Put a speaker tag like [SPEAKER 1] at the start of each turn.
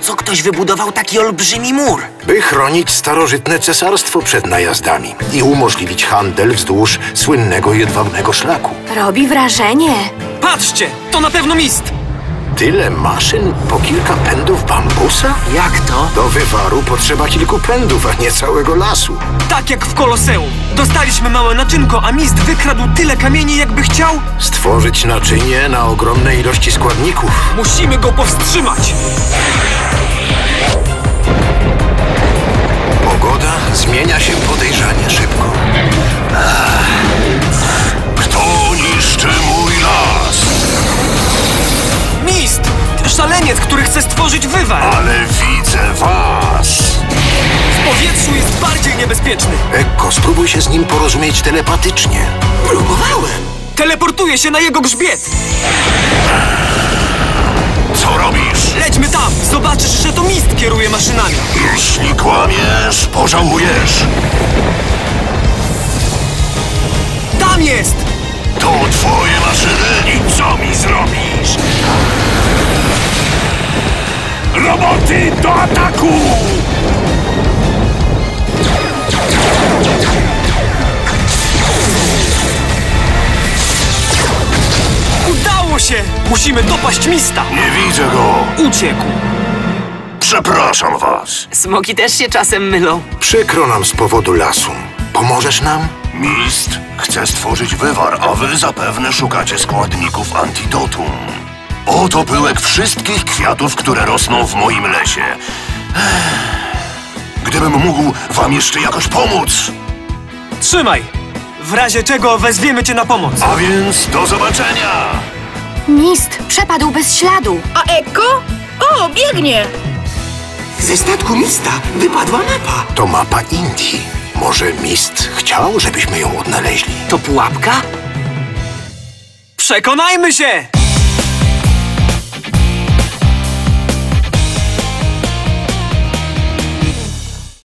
[SPEAKER 1] co ktoś wybudował taki olbrzymi mur?
[SPEAKER 2] By chronić starożytne cesarstwo przed najazdami i umożliwić handel wzdłuż słynnego jedwabnego szlaku.
[SPEAKER 3] Robi wrażenie.
[SPEAKER 4] Patrzcie, to na pewno Mist.
[SPEAKER 2] Tyle maszyn po kilka pędów bambusa?
[SPEAKER 1] Jak to?
[SPEAKER 2] Do wywaru potrzeba kilku pędów, a nie całego lasu.
[SPEAKER 4] Tak jak w Koloseum. Dostaliśmy małe naczynko, a Mist wykradł tyle kamieni, jakby chciał.
[SPEAKER 2] Stworzyć naczynie na ogromne ilości składników.
[SPEAKER 4] Musimy go powstrzymać.
[SPEAKER 2] Pogoda zmienia się podejrzanie szybko.
[SPEAKER 5] Kto niszczy mój las?
[SPEAKER 4] Mist! Szaleniec, który chce stworzyć wywar.
[SPEAKER 5] Ale widzę was!
[SPEAKER 4] W powietrzu jest bardziej niebezpieczny.
[SPEAKER 2] Ekko, spróbuj się z nim porozumieć telepatycznie.
[SPEAKER 1] Próbowałem.
[SPEAKER 4] Teleportuje się na jego grzbiet.
[SPEAKER 5] Co robisz?
[SPEAKER 4] Lećmy tam. Zobaczysz, że to Mist kieruje maszynami.
[SPEAKER 5] Jeśli kłamiesz, pożałujesz.
[SPEAKER 4] Tam jest!
[SPEAKER 5] To twoje maszyny i co mi zrobisz? Roboty do ataku!
[SPEAKER 4] Udało się! Musimy dopaść Mista.
[SPEAKER 5] Nie widzę go.
[SPEAKER 4] Uciekł.
[SPEAKER 5] Przepraszam was.
[SPEAKER 1] Smoki też się czasem mylą.
[SPEAKER 2] Przykro nam z powodu lasu. Pomożesz nam?
[SPEAKER 5] Mist chce stworzyć wywar, a wy zapewne szukacie składników antidotum. Oto pyłek wszystkich kwiatów, które rosną w moim lesie. Gdybym mógł wam jeszcze jakoś pomóc.
[SPEAKER 4] Trzymaj. W razie czego wezwiemy cię na pomoc.
[SPEAKER 5] A więc do zobaczenia!
[SPEAKER 3] Mist przepadł bez śladu.
[SPEAKER 6] A Ekko? O, biegnie!
[SPEAKER 1] Ze statku Mista wypadła mapa.
[SPEAKER 2] To mapa Indii. Może Mist chciał, żebyśmy ją odnaleźli?
[SPEAKER 1] To pułapka?
[SPEAKER 4] Przekonajmy się!